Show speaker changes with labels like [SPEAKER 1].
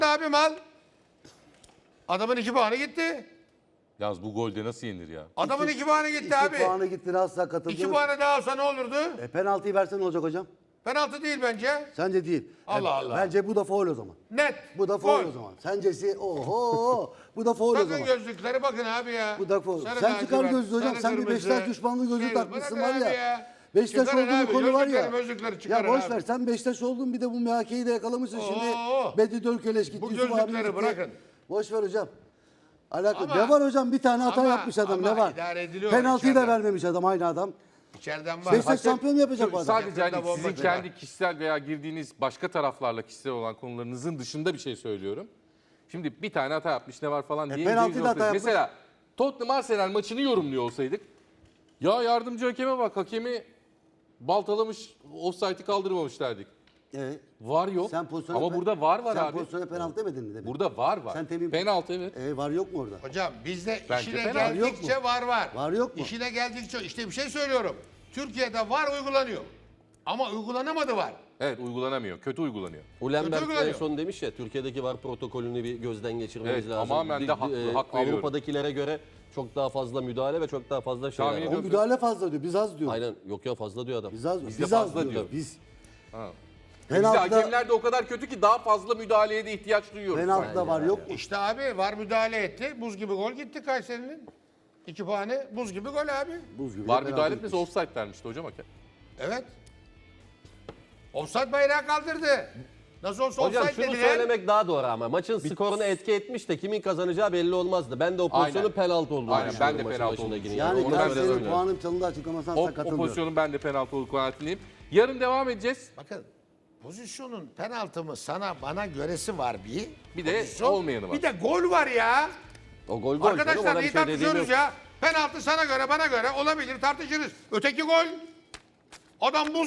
[SPEAKER 1] abim al. Adamın 2 puanı gitti.
[SPEAKER 2] Yalnız bu golde nasıl yenir ya?
[SPEAKER 1] Adamın 2 puanı gitti
[SPEAKER 3] 2
[SPEAKER 1] abi.
[SPEAKER 3] puanı gitti, asla katıldı.
[SPEAKER 1] 2 puanı daha alsa ne olurdu?
[SPEAKER 3] Penaltıyı versen ne olacak hocam?
[SPEAKER 1] Penaltı değil bence.
[SPEAKER 3] Sence değil.
[SPEAKER 1] Allah Allah.
[SPEAKER 3] Bence bu da faul o zaman.
[SPEAKER 1] Net.
[SPEAKER 3] Bu da faul
[SPEAKER 1] Gol.
[SPEAKER 3] o zaman. Sencesi oho. Bu da faul o
[SPEAKER 1] Bakın
[SPEAKER 3] zaman.
[SPEAKER 1] gözlüklere bakın abi ya.
[SPEAKER 3] Bu da faul.
[SPEAKER 1] Sarı
[SPEAKER 3] Sen çıkar
[SPEAKER 1] lacivert,
[SPEAKER 3] gözlüğü hocam.
[SPEAKER 1] sarı
[SPEAKER 3] Sen bir
[SPEAKER 1] kırmızı.
[SPEAKER 3] Beşiktaş düşmanlığı gözlüğü
[SPEAKER 1] Şey,
[SPEAKER 3] takmışsın var
[SPEAKER 1] bırakın abi
[SPEAKER 3] ya. Beşiktaş
[SPEAKER 1] Çıkarın
[SPEAKER 3] olduğun
[SPEAKER 1] abi,
[SPEAKER 3] konu var ya.
[SPEAKER 1] gözlükleri
[SPEAKER 3] Ya
[SPEAKER 1] çıkarın
[SPEAKER 3] boş
[SPEAKER 1] abi.
[SPEAKER 3] ver, sen Beşiktaş oldun, bir de bu MHK'yi de yakalamışsın şimdi.
[SPEAKER 1] Oo.
[SPEAKER 3] Bedi Dölköleş gitti.
[SPEAKER 1] Bu
[SPEAKER 3] Yusuf abi
[SPEAKER 1] gözlükleri
[SPEAKER 3] gitti.
[SPEAKER 1] bırakın.
[SPEAKER 3] Boş ver hocam. Alakalı.
[SPEAKER 1] Ama-
[SPEAKER 3] Ne var hocam? Bir tane hata
[SPEAKER 1] ama-
[SPEAKER 3] yapmış adam.
[SPEAKER 1] ama
[SPEAKER 3] Ne var?
[SPEAKER 1] idare ediliyor
[SPEAKER 3] Penaltıyı da
[SPEAKER 1] içeriden.
[SPEAKER 3] vermemiş adam, aynı adam.
[SPEAKER 1] İçeriden var.
[SPEAKER 3] Beşiktaş şampiyon yapacak bu adam.
[SPEAKER 2] Sadece hani
[SPEAKER 1] Yakında bomba
[SPEAKER 2] sizin
[SPEAKER 1] çıkar.
[SPEAKER 2] kendi kişisel veya girdiğiniz başka taraflarla kişisel olan konularınızın dışında bir şey söylüyorum. Şimdi bir tane hata yapmış ne var falan diye.
[SPEAKER 3] penaltıyı da hata yapmış.
[SPEAKER 2] Mesela Tottenham Arsenal maçını yorumluyor olsaydık. Ya yardımcı hakeme bak, hakemi baltalamış, offside'i kaldırmamış derdik. Var yok.
[SPEAKER 3] Sen pozisyona
[SPEAKER 2] Ama burada var
[SPEAKER 3] sen
[SPEAKER 2] abi.
[SPEAKER 3] pozisyona penaltı demedin mi demek?
[SPEAKER 2] Burada var.
[SPEAKER 3] Sen temin-
[SPEAKER 2] Penaltı evet.
[SPEAKER 3] Var yok mu orada?
[SPEAKER 1] Hocam bizde
[SPEAKER 2] Bence
[SPEAKER 1] işine
[SPEAKER 2] penaltı.
[SPEAKER 1] geldikçe var.
[SPEAKER 3] Var yok mu?
[SPEAKER 1] İşine geldikçe işte bir şey söylüyorum. Türkiye'de var uygulanıyor. Ama uygulanamadı var.
[SPEAKER 2] Evet uygulanamıyor. Kötü uygulanıyor.
[SPEAKER 4] Ulenberg en
[SPEAKER 1] uygulanıyor.
[SPEAKER 4] son demiş ya, Türkiye'deki VAR protokolünü bir gözden geçirmemiz
[SPEAKER 2] Evet,
[SPEAKER 4] lazım.
[SPEAKER 2] tamamen de hak veriyorum.
[SPEAKER 4] Avrupa'dakilere göre çok daha fazla müdahale ve çok daha fazla şeyler
[SPEAKER 2] Tahmin
[SPEAKER 4] var.
[SPEAKER 3] O
[SPEAKER 2] ediyorum.
[SPEAKER 3] müdahale fazla diyor. Biz az diyor.
[SPEAKER 4] Aynen, yok ya, fazla diyor adam.
[SPEAKER 3] Biz az,
[SPEAKER 2] Bizde
[SPEAKER 3] biz
[SPEAKER 2] fazla
[SPEAKER 3] az diyor.
[SPEAKER 2] diyor.
[SPEAKER 3] Biz.
[SPEAKER 2] Ha.
[SPEAKER 3] Penaltıda-
[SPEAKER 2] Bizde hakemler de o kadar kötü ki daha fazla müdahaleye de ihtiyaç duyuyoruz.
[SPEAKER 3] Penaltıda var yok mu?
[SPEAKER 1] İşte abi var müdahale etti. Buz gibi gol gitti Kayseri'nin. 2 puanı buz gibi gol abi.
[SPEAKER 3] Buz gibi.
[SPEAKER 2] Var
[SPEAKER 3] penaltı
[SPEAKER 2] müdahale
[SPEAKER 3] gitmiş.
[SPEAKER 2] etmesi offside vermişti hocam hakem.
[SPEAKER 1] Evet. Offside bayrağı kaldırdı. Nasıl olsa
[SPEAKER 4] Hocam
[SPEAKER 1] offside
[SPEAKER 4] şunu
[SPEAKER 1] dediler.
[SPEAKER 4] söylemek daha doğru ama maçın skoruna etki etmiş de kimin kazanacağı belli olmazdı. Ben de o pozisyonun
[SPEAKER 2] Aynen.
[SPEAKER 4] penaltı olduğunu
[SPEAKER 2] Aynen,
[SPEAKER 4] düşünüyorum
[SPEAKER 2] ben de
[SPEAKER 4] maçın
[SPEAKER 2] penaltı
[SPEAKER 4] başındakinin.
[SPEAKER 2] olduğunu
[SPEAKER 3] Yani
[SPEAKER 2] Onu ben de
[SPEAKER 3] Galatasaray'ın
[SPEAKER 2] söylüyorum.
[SPEAKER 3] puanın çalındığı açıklamasına
[SPEAKER 2] O,
[SPEAKER 3] sen
[SPEAKER 2] o
[SPEAKER 3] katılmıyorum.
[SPEAKER 2] pozisyonun ben de penaltı olduğu kanaatindeyim. Yarın devam edeceğiz.
[SPEAKER 1] Bakın pozisyonun penaltı mı sana bana göresi var bir.
[SPEAKER 2] Bir de
[SPEAKER 1] Pozisyon,
[SPEAKER 2] olmayanı var.
[SPEAKER 1] Bir de gol var ya.
[SPEAKER 4] O gol canım,
[SPEAKER 1] Arkadaşlar
[SPEAKER 4] ona bir
[SPEAKER 1] iyi
[SPEAKER 4] şey dediğim
[SPEAKER 1] tartışıyoruz
[SPEAKER 4] yok.
[SPEAKER 1] ya. Penaltı sana göre bana göre olabilir tartışırız. Öteki gol. Adam buz